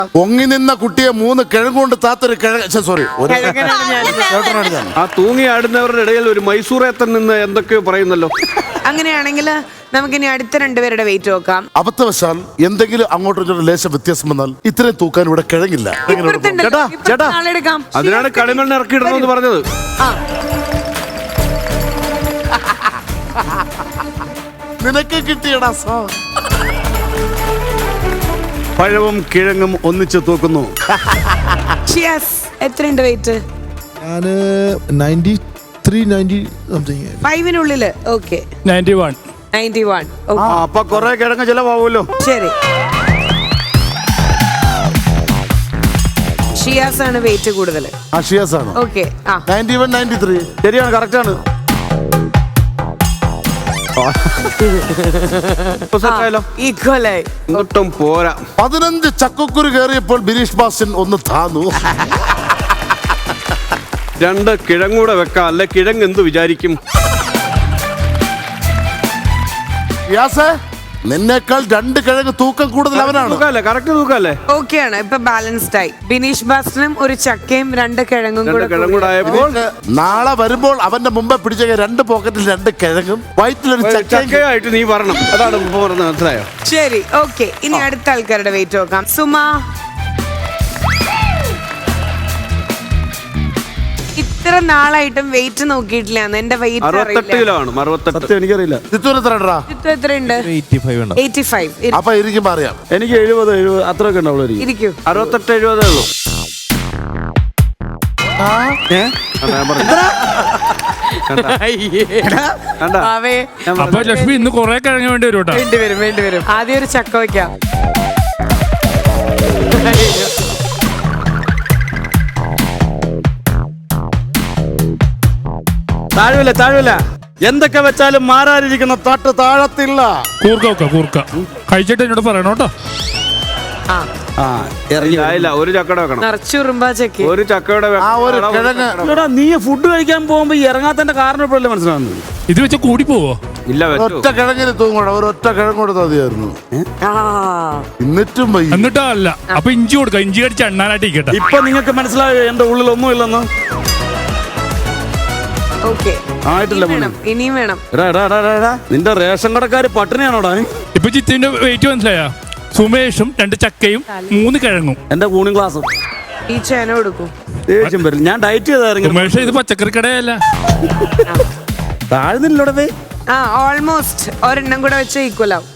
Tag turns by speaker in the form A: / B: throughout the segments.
A: പൊങ്ങി നിന്ന കുട്ടിയെ 3 കിഴങ്ങുകൊണ്ട് താത്തൊരു സോറി
B: ആ തൂങ്ങി ആടുന്നവരുടെ ഇടയിൽ ഒരു മൈസൂറേത്തൻ നിന്ന് എന്തൊക്കെയോ പറയുന്നല്ലോ.
C: അങ്ങനെയാണെങ്കിൽ നമുക്കിനി അടുത്ത 2 പേരുടെ വെയിറ്റ് നോക്കാം.
A: അബദ്ധവശാൽ എന്തെങ്കിലും അങ്ങോട്ടും ലേശം വ്യത്യാസം വന്നാൽ ഇത്രയും തൂക്കാൻ ഇവിടെ കിഴങ്ങില്ല.
B: ചേട്ടാ അതിനാണ് കളിമണ്ണ് ഇറക്കിയിടണമെന്ന് പറഞ്ഞത്.
A: നിനക്ക് കിട്ടിയടാ സോ.
B: പഴവും കിഴങ്ങും ഒന്നിച്ച് തൂക്കുന്നു.
C: എത്രയുണ്ട് വെയിറ്റ്?
D: ഞാന് 93, 90 സംതിങ്.
C: 5-നുള്ളില്. ഓക്കെ 91.
B: അപ്പൊ കൊറേ കിഴങ്ങ് ചിലവാകുമല്ലോ.
C: ശരി, ഷിയാസ് ആണ് വെയിറ്റ് കൂടുതൽ.
A: ഷിയാസ് ആണ്.
C: ഓക്കെ
A: 91, 93
B: ശരിയാണ്, കറക്റ്റ് ആണ്.
C: ഈക്വലായി
B: ഒട്ടും പോരാ.
A: 15 ചക്കക്കുരു കയറിയപ്പോൾ ബിനീഷ് ബാസ്റ്റൻ ഒന്ന് താന്നു.
B: 2 കിഴങ്ങൂടെ വെക്കാം, അല്ലെ കിഴങ്ങ് എന്ത് വിചാരിക്കും?
A: നിന്നേക്കാൾ 2 കിഴങ്ങ് തൂക്കം കൂടുതൽ അവനാണ്.
B: കറക്റ്റ് തൂക്കല്ലേ?
C: ഓക്കെ ആണ്. ഇപ്പൊ ബാലൻസ്ഡ് ആയി. ബിനീഷ് ബാസ്റ്റനും ഒരു ചക്കയും 2 കിഴങ്ങും
B: കൂടെ ആയപ്പോൾ
A: നാളെ വരുമ്പോൾ അവന്റെ മുമ്പേ പിടിച്ച 2 പോക്കറ്റിൽ 2 കിഴങ്ങും വയറ്റിലൊരു
B: ചക്കയായിട്ട് നീ പറയണം. അതാണ് മനസ്സിലായോ?
C: ശരി, ഓക്കെ. ഇനി അടുത്ത ആൾക്കാരുടെ വെയിറ്റ് നോക്കാം. സുമ, ഇത്ര നാളായിട്ടും വെയിറ്റ് നോക്കിയിട്ടില്ല. എന്റെ വെയിറ്റ്
B: 68 കിലോ ആണ്. 68 എനിക്കറിയില്ല.
C: എത്രയുണ്ട്? 85.
A: അപ്പൊ ഇരിക്കുമ്പോ അറിയാം.
B: എനിക്ക് 70 അത്രയൊക്കെ ഉണ്ടാവുള്ളൂ. 68, 70 ഉള്ളൂ.
E: അപ്പൊ ലക്ഷ്മി ഇന്ന് കൊറേ കിഴങ്ങ് വേണ്ടി വരും.
C: വേണ്ടി വരും. ആദ്യം ഒരു ചക്ക വയ്ക്കാം.
B: താഴെ എന്തൊക്കെ വെച്ചാലും മാറാതിരിക്കുന്ന തട്ട് താഴത്തില്ല.
E: കൂർക്ക കഴിച്ചിട്ട് എന്നോട് പറയണോ കേട്ടോ.
B: ഒരു ചക്കയുടെ വെക്കണം.
C: നിറച്ചുറുമ്പാ ചക്ക.
B: ഒരു ചക്കയുടെ നീ ഫുഡ് കഴിക്കാൻ പോകുമ്പോ ഇറങ്ങാത്തന്റെ കാരണം ഇപ്പോഴല്ലേ മനസ്സിലാവുന്നത്?
E: ഇത് വെച്ച കൂടി പോവോ?
B: ഇല്ല,
A: ഒറ്റ കിഴങ്ങിന് തൂങ്ങണം. ഒരൊറ്റ കിഴങ്ങോട് മതിയായിരുന്നു.
E: എന്നിട്ടോ അല്ല. അപ്പൊ ഇഞ്ചി കൊടുക്കാം. ഇഞ്ചി കടിച്ച് എണ്ണാനായിട്ട് ഇരിക്കട്ടെ.
B: ഇപ്പൊ നിങ്ങൾക്ക് മനസ്സിലായോ എന്റെ ഉള്ളിൽ ഒന്നും ഇല്ലെന്ന്?
C: ഇനിയും വേണം.
B: നിന്റെ റേഷൻ കടക്കാര് പട്ടിണിയാണോടാ?
E: ഇപ്പൊ ചിത്തിന്റെ വെയിറ്റ് മനസ്സിലായ? സുമേഷും 2 ചക്കയും 3 കിഴങ്ങും.
B: എന്റെ കൂണിംഗ് ക്ലാസ്സും
C: ഈ ചേന കൊടുക്കും.
B: ദേഷ്യം വരും. ഞാൻ ഡയറ്റ് ചെയ്തായിരുന്നു.
E: സുമേഷ് ഇത് പച്ചക്കറി കടയല്ല.
B: താഴ്ന്നില്ലോടെ.
C: ഓൾമോസ്റ്റ് ഒരെണ്ണം കൂടെ വെച്ച ഈക്വൽ ആവും.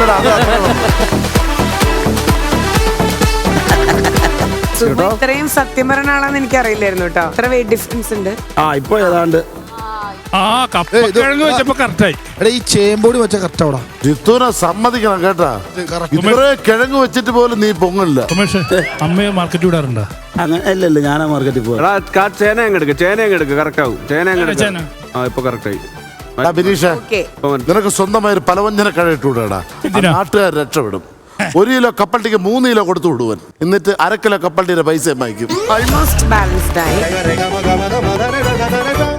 C: ഇത്രയും സത്യം പറഞ്ഞ ആളാന്ന് എനിക്ക് അറിയില്ലായിരുന്നു കേട്ടോ. ഇത്ര വെയിറ്റ് ഡിഫറൻസ് ഉണ്ട്.
B: ഇപ്പൊ ഏതാണ്ട്
E: കിഴങ്ങ് വെച്ചപ്പോ കറക്റ്റായി.
D: ഈ ചേമ്പോടി വെച്ച കറക്റ്റാ.
A: ജിത്തുനെ സമ്മതിക്കണം കേട്ടാ. ഇത്രേ കിഴങ്ങ് വെച്ചിട്ട് പോലും നീ പൊങ്ങില്ല.
E: സുമേഷ് അമ്മയെ മാർക്കറ്റ് വിടാറുണ്ടോ?
B: അല്ലല്ല, ഞാനാ മാർക്കറ്റിൽ പോവാ. ചേന എടുക്ക് കറക്റ്റ് ആവും. ഇപ്പൊ കറക്റ്റ് ആയി.
A: ബിനീഷ, നിനക്ക് സ്വന്തമായി ഒരു പലവ്യഞ്ജന കട ഇട്ടുവിടാ. നാട്ടുകാർ രക്ഷപ്പെടും. 1 കിലോ കപ്പൽട്ടിക്ക് 3 കിലോ കൊടുത്തു വിടുവൻ. എന്നിട്ട് 1/2 കിലോ കപ്പൽട്ടിയുടെ പൈസ വാങ്ങിക്കും.
C: ഓൾമോസ്റ്റ് ബാലൻസ്ഡ് ആയി.